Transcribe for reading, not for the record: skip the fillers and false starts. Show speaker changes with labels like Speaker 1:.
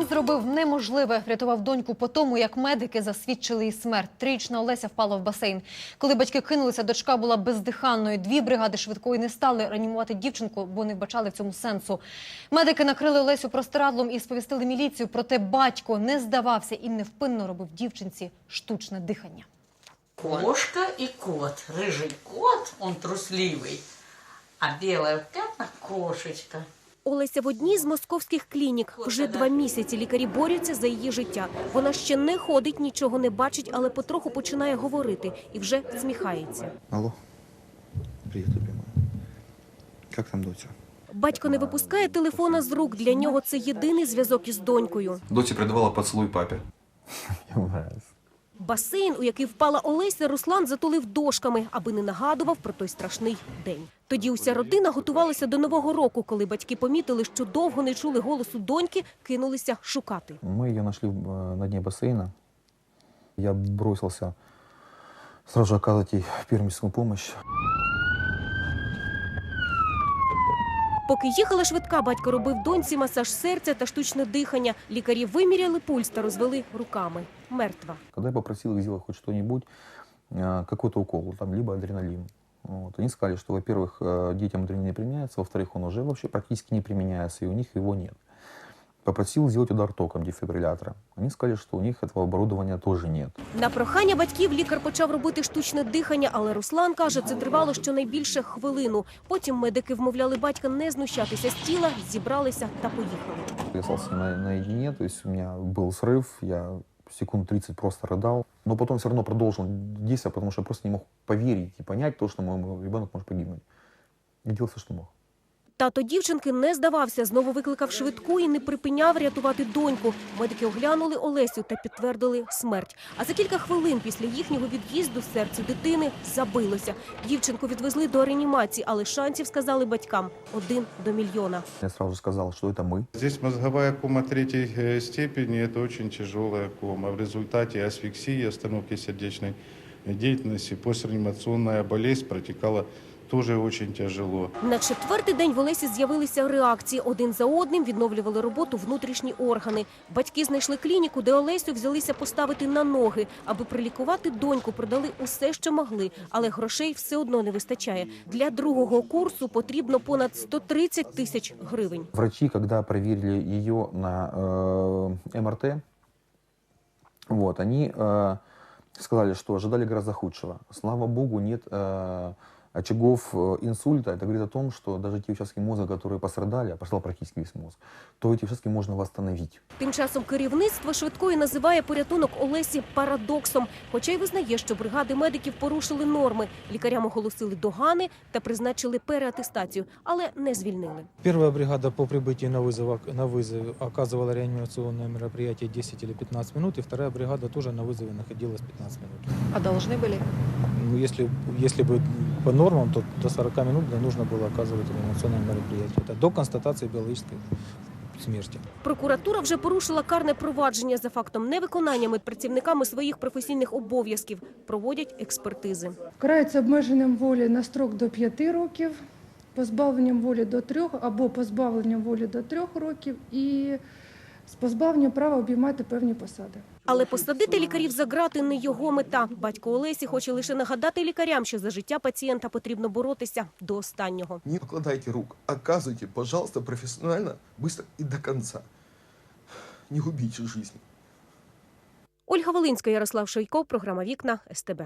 Speaker 1: зробив неможливе. Врятував доньку по тому, як медики засвідчили її смерть. 3-річна Олеся впала в басейн. Коли батьки кинулися, дочка була бездиханною. 2 бригади швидкої не стали реанімувати дівчинку, бо не вбачали в цьому сенсу. Медики накрили Олесю простирадлом і сповістили міліцію. Проте батько не здавався і невпинно робив дівчинці штучне дихання.
Speaker 2: Кошка и кот. Рыжий кот, он трусливый, а белая в пятнах кошечка.
Speaker 3: Олеся в одній з московських клінік. Вже 2 місяці лікарі борються за її життя. Вона ще не ходить, нічого не бачить, але потроху починає говорити і вже сміхається.
Speaker 4: Алло. Привет, любимая. Как там Дотя?
Speaker 3: Батько не випускає телефона з рук. Для нього це єдиний зв'язок із донькою.
Speaker 5: Доті передавала поцілуй папі.
Speaker 4: Ему нравится.
Speaker 3: Басейн, у який впала Олеся, Руслан затулив дошками, аби не нагадував про той страшний день. Тоді уся родина готувалася до Нового року. Коли батьки помітили, що довго не чули голосу доньки, кинулися шукати.
Speaker 4: Мы ее нашли на дне бассейна. Я бросился сразу же оказывать ей первую медицинскую помощь.
Speaker 3: Поки їхала швидка, батько робив доньці масаж серця та штучне дихання. Лікарі виміряли пульс та розвели руками. Мертва.
Speaker 4: Когда я попросил их сделать хоть что-нибудь, какой-то укол, там, либо адреналин. Вот. Они сказали, что, во-первых, детям адреналин не применяется, во-вторых, он уже вообще практически не применяется, и у них его нет. Попросил сделать удар током дефибриллятора. Они сказали, что у них этого оборудования тоже нет.
Speaker 3: На прохання батьків лікар почав робити штучне дихання, але Руслан каже, це тривало щонайбільше хвилину. Потім медики вмовляли батька не знущатися з тіла, зібралися та поїхали.
Speaker 4: Я остался наедине, то есть у меня был срыв, я секунд 30 просто рыдал. Но потом все равно продолжил действовать, потому что я просто не мог поверить и понять то, что мой ребенок может погибнуть. Я делал все, что мог.
Speaker 3: Тато дівчинки не здавався, знову викликав швидку і не припиняв рятувати доньку. Медики оглянули Олесю та підтвердили смерть. А за кілька хвилин після їхнього від'їзду серце дитини забилося. Дівчинку відвезли до реанімації, але шансів, сказали батькам, 1 до мільйона.
Speaker 4: Я сразу сказал, что это мы.
Speaker 6: Здесь мозговая кома 3-й степени, это очень тяжелая кома. В результате асфиксии, остановки сердечной деятельности, постреанимационная болезнь протекала тоже очень тяжело.
Speaker 3: На 4-й день в Олесі з'явилися реакції. Один за одним відновлювали роботу внутрішні органи. Батьки знайшли клініку, де Олесю взялися поставити на ноги. Аби прилікувати доньку, продали усе, що могли. Але грошей все одно не вистачає. Для 2-го курсу потрібно понад 130 тисяч гривень.
Speaker 4: Врачи, когда проверили ее на МРТ, вот, они сказали, что ожидали гораздо худшего. Слава богу, нет очагов инсульта. Это говорит о том, что даже те участки мозга, которые пострадали, а пострадал практически весь мозг, то эти участки можно восстановить.
Speaker 3: Тим часом керівництво швидкої називає порятунок Олесі парадоксом. Хоча й визнає, що бригади медиків порушили норми. Лікарям оголосили догани та призначили переатестацію, але не звільнили.
Speaker 7: Первая бригада по прибытии на вызов оказывала реанимационное мероприятие 10 или 15 минут, и вторая бригада тоже на вызове находилась 15 минут.
Speaker 1: А должны были?
Speaker 7: Ну, если бы по нормам, то до 40 минут нужно было оказывать реанимационное мероприятие. Это до констатации биологической смерти.
Speaker 3: Прокуратура вже порушила карне провадження за фактом невиконання медпрацівниками своїх професійних обов'язків. Проводять експертизи.
Speaker 8: Карається обмеженням волі на строк до 5 років, позбавленням волі до 3 або позбавленням волі до 3 років і з позбавленням права обіймати певні посади.
Speaker 3: Але посадити лікарів за ґрати не його мета. Батько Олесі хоче лише нагадати лікарям, що за життя пацієнта потрібно боротися до останнього.
Speaker 9: Не покладайте рук, оказывайте, пожалуйста, профессионально, быстро и до конца. Не губите жизнь.
Speaker 3: Ольга Волинська, Ярослав Шойко, програма «Вікна», СТБ.